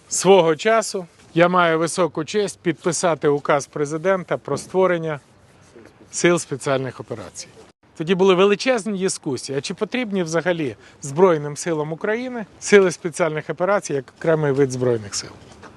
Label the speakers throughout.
Speaker 1: Свого часу я маю високу честь підписати указ президента про створення Сил спеціальних операцій. Тоді були величезні дискусії, а чи потрібні взагалі Збройним силам України Сили спеціальних операцій як окремий вид Збройних сил.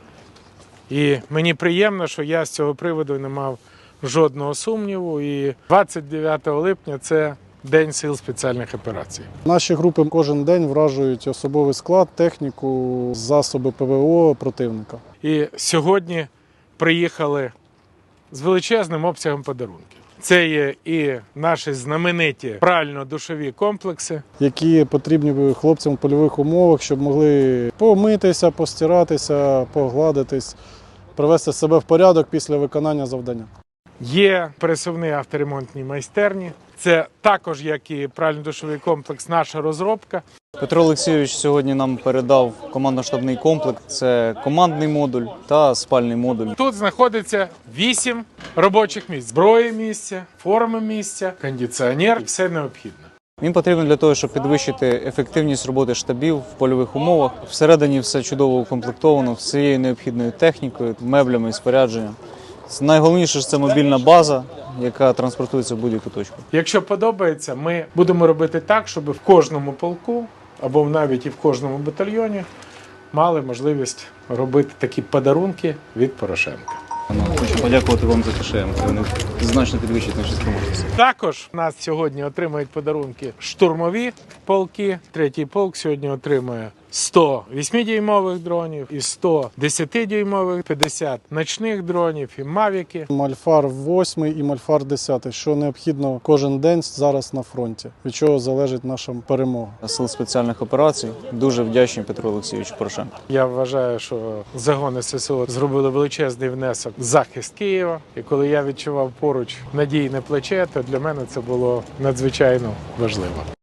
Speaker 1: І мені приємно, що я з цього приводу не мав жодного сумніву. І 29 липня – це День Сил спеціальних операцій.
Speaker 2: Наші групи кожен день вражують особовий склад, техніку, засоби ПВО противника.
Speaker 1: І сьогодні приїхали з величезним обсягом подарунків. Це є і наші знамениті прально-душові комплекси,
Speaker 2: Які потрібні хлопцям в польових умовах, щоб могли помитися, постиратися, погладитись, привести себе в порядок після виконання завдання.
Speaker 1: Є пересувні авторемонтні майстерні. Це також, як і прально-душовий комплекс, наша розробка.
Speaker 3: Петро Олексійович сьогодні нам передав командно-штабний комплект. Це командний модуль та спальний модуль.
Speaker 1: Тут знаходиться 8 робочих місць. Зброї місця, форми місця, кондиціонер – все необхідне.
Speaker 3: Він потрібен для того, щоб підвищити ефективність роботи штабів в польових умовах. Всередині все чудово укомплектовано всією необхідною технікою, меблями і спорядженням. Найголовніше – це мобільна база, яка транспортується в будь-яку точку.
Speaker 1: Якщо подобається, ми будемо робити так, щоб в кожному полку, або навіть і в кожному батальйоні, мали можливість робити такі подарунки від Порошенка.
Speaker 3: Хочу подякувати вам за КШМ. Вони значно підвищують наші спроможності.
Speaker 1: Також у нас сьогодні отримають подарунки штурмові полки. Третій полк сьогодні отримує 100 8-дюймових дронів і 100 10-дюймових, 50 ночних дронів і мавіки.
Speaker 2: Мальфар 8 і Мальфар 10, що необхідно кожен день зараз на фронті, від чого залежить наша перемога.
Speaker 3: Сил спеціальних операцій дуже вдячні Петру Олексійовичу Порошенку.
Speaker 1: Я вважаю, що загони ССО зробили величезний внесок в захист Києва. І коли я відчував поруч надійне плече, то для мене це було надзвичайно важливо.